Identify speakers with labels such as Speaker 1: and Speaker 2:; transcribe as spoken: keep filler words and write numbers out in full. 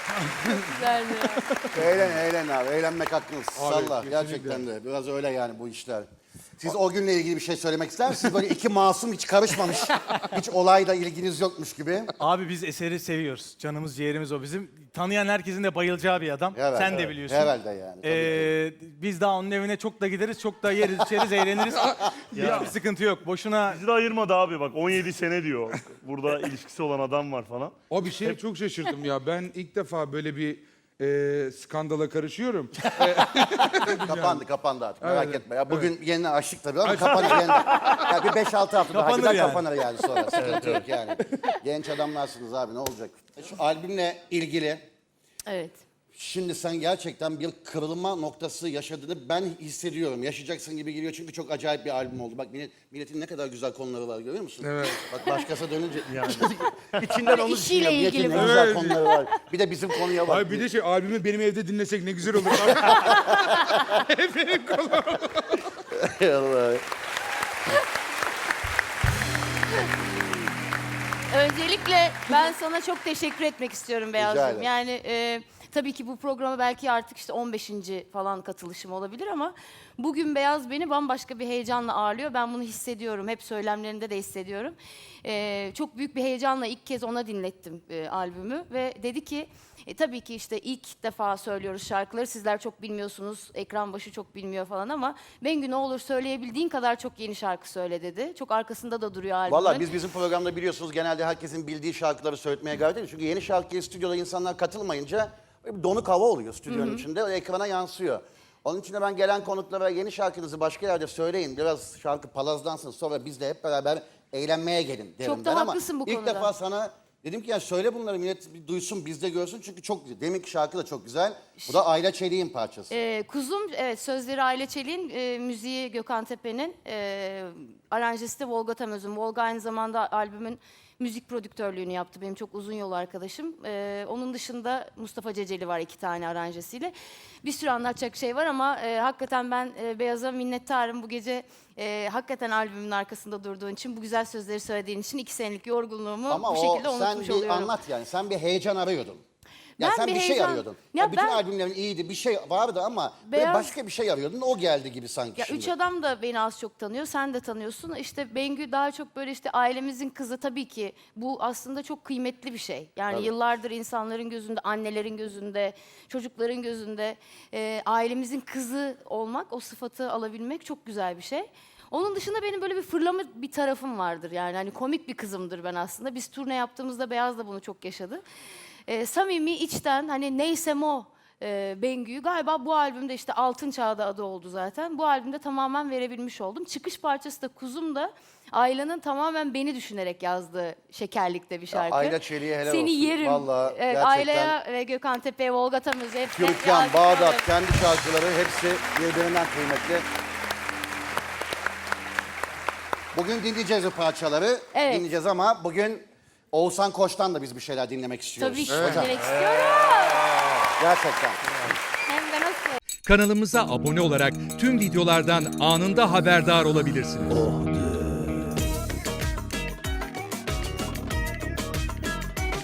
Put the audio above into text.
Speaker 1: Güzeldi ya.
Speaker 2: Eğlen eğlen abi. Eğlenmek hakkınız. Salla.
Speaker 3: kesinlikle.
Speaker 2: Gerçekten de. Biraz öyle yani bu işler. Siz o günle ilgili bir şey söylemek ister misiniz? Böyle iki masum hiç karışmamış. Hiç olayla ilginiz yokmuş gibi.
Speaker 4: Abi biz eseri seviyoruz. Canımız ciğerimiz o bizim. Tanıyan herkesin de bayılacağı bir adam.
Speaker 2: Evet,
Speaker 4: Sen de
Speaker 2: evet.
Speaker 4: biliyorsun.
Speaker 2: Herhalde yani, tabii
Speaker 4: Ee, biz daha onun evine çok da gideriz, çok da yeriz, içeriz, eğleniriz. Hiçbir sıkıntı yok. Boşuna
Speaker 5: Bizi de ayırmadı abi bak on yedi sene diyor. Burada ilişkisi olan adam var falan.
Speaker 3: O bir şey çok şaşırdım ya. Ben ilk defa böyle bir e, skandala karışıyorum.
Speaker 2: Kapandı kapandı artık merak
Speaker 3: Evet,
Speaker 2: etme. Ya bugün yeni açtık tabii ama kapanır yeniden. Ya bir beş altı hafta daha
Speaker 4: Kapanır
Speaker 2: gider
Speaker 4: yani.
Speaker 2: kapanır yani sonra. Sıkıntı yok yani. Genç adamlarsınız abi ne olacak? Şu albümle ilgili
Speaker 1: Evet.
Speaker 2: şimdi sen gerçekten bir kırılma noktası yaşadığını ben hissediyorum. Yaşayacaksın gibi geliyor çünkü çok acayip bir albüm oldu. Bak millet, milletin ne kadar güzel konuları var görüyor musun?
Speaker 3: Evet.
Speaker 2: Bak başkası dönünce yani. İçinden onu
Speaker 1: İşiyle
Speaker 2: düşünüyor. Milletin
Speaker 1: ilgili
Speaker 2: ne
Speaker 1: bu.
Speaker 2: güzel
Speaker 3: Evet.
Speaker 2: konuları var. Bir de bizim konuya bak.
Speaker 3: Ay bir de şey albümü benim evde dinlesek ne güzel olur. Benim kolum.
Speaker 2: Allah.
Speaker 1: Öncelikle ben sana çok teşekkür etmek istiyorum Beyazcığım.
Speaker 2: ederim.
Speaker 1: Yani e, tabii ki bu programa belki artık işte on beşinci falan katılışım olabilir ama bugün Beyaz beni bambaşka bir heyecanla ağırlıyor. Ben bunu hissediyorum. Hep söylemlerinde de hissediyorum. E, çok büyük bir heyecanla ilk kez ona dinlettim e, albümü ve dedi ki e, tabii ki işte ilk defa söylüyoruz şarkıları. Sizler çok bilmiyorsunuz. Ekran başı çok bilmiyor falan ama Bengü ne olur söyleyebildiğin kadar çok yeni şarkı söyle dedi. Çok arkasında da duruyor albümün.
Speaker 2: Valla biz bizim programda biliyorsunuz genelde herkesin bildiği şarkıları söyletmeye gayret ediyoruz. Çünkü yeni şarkıya stüdyoda insanlar katılmayınca böyle bir donuk hava oluyor stüdyonun içinde. O ekrana yansıyor. Onun için de ben gelen konuklara yeni şarkınızı başka yerde söyleyin. Biraz şarkı palazdansın sonra biz de hep beraber eğlenmeye gelin derim
Speaker 1: Çok da
Speaker 2: ben ama
Speaker 1: haklısın bu
Speaker 2: ilk
Speaker 1: konuda.
Speaker 2: defa sana dedim ki ya söyle bunları millet bir duysun biz de görsün çünkü çok güzel. Deminki şarkı da çok güzel. Bu da Ayla Çelik'in parçası.
Speaker 1: Ee, Kuzum, evet sözleri Aile Çelik'in, e, müziği Gökhan Tepe'nin, e, aranjesi de Volga Tamöz'ün. Volga aynı zamanda albümün müzik prodüktörlüğünü yaptı. Benim çok uzun yol arkadaşım. E, onun dışında Mustafa Ceceli var iki tane aranjesiyle. Bir sürü anlatacak şey var ama e, hakikaten ben e, Beyaz'a minnettarım bu gece. E, hakikaten albümün arkasında durduğun için, bu güzel sözleri söylediğin için iki senelik yorgunluğumu
Speaker 2: Ama
Speaker 1: bu
Speaker 2: o
Speaker 1: şekilde
Speaker 2: sen
Speaker 1: unutmuş
Speaker 2: bir
Speaker 1: oluyorum.
Speaker 2: anlat yani. Sen bir heyecan arıyordun. Ya
Speaker 1: Ben
Speaker 2: sen
Speaker 1: bir
Speaker 2: bir, şey
Speaker 1: heyecan-
Speaker 2: arıyordun.
Speaker 1: Ya
Speaker 2: Ya bütün
Speaker 1: ben-
Speaker 2: albümlerin iyiydi. Bir şey vardı ama böyle
Speaker 1: Beyaz-
Speaker 2: başka bir şey arıyordun. O geldi gibi sanki
Speaker 1: Ya
Speaker 2: şimdi.
Speaker 1: üç adam da beni az çok tanıyor, sen de tanıyorsun. İşte Bengü daha çok böyle işte ailemizin kızı tabii ki. Bu aslında çok kıymetli bir şey. Yani
Speaker 2: Tabii.
Speaker 1: yıllardır insanların gözünde, annelerin gözünde, çocukların gözünde e, ailemizin kızı olmak, o sıfatı alabilmek çok güzel bir şey. Onun dışında benim böyle bir fırlama bir tarafım vardır yani. Hani komik bir kızımdır ben aslında. Biz turne yaptığımızda Beyaz da bunu çok yaşadı. E, samimi, içten, hani neysem o e, Bengü'yü galiba bu albümde işte Altın Çağ'da adı oldu zaten. Bu albümde tamamen verebilmiş oldum. Çıkış parçası da Kuzum da Ayla'nın tamamen beni düşünerek yazdığı şekerlikte bir şarkı.
Speaker 2: Ayla Çelik'e helal
Speaker 1: Seni
Speaker 2: olsun.
Speaker 1: yerim.
Speaker 2: Vallahi
Speaker 1: Evet,
Speaker 2: gerçekten-
Speaker 1: Ayla'ya ve Gökhan Tepe'ye, Volga Tamöz'e hepsine
Speaker 2: Türkan,
Speaker 1: yazdık
Speaker 2: Bağdat,
Speaker 1: ederim.
Speaker 2: kendi şarkıları hepsi birbirinden kıymetli. Bugün dinleyeceğiz o parçaları.
Speaker 1: Evet.
Speaker 2: Dinleyeceğiz ama bugün Oğuzhan Koç'tan da biz bir şeyler dinlemek istiyoruz.
Speaker 1: Tabii ki
Speaker 2: Hocam,
Speaker 1: dinlemek istiyorum.
Speaker 2: gerçekten.
Speaker 1: Hem de nasıl?
Speaker 6: Kanalımıza abone olarak tüm videolardan anında haberdar olabilirsiniz.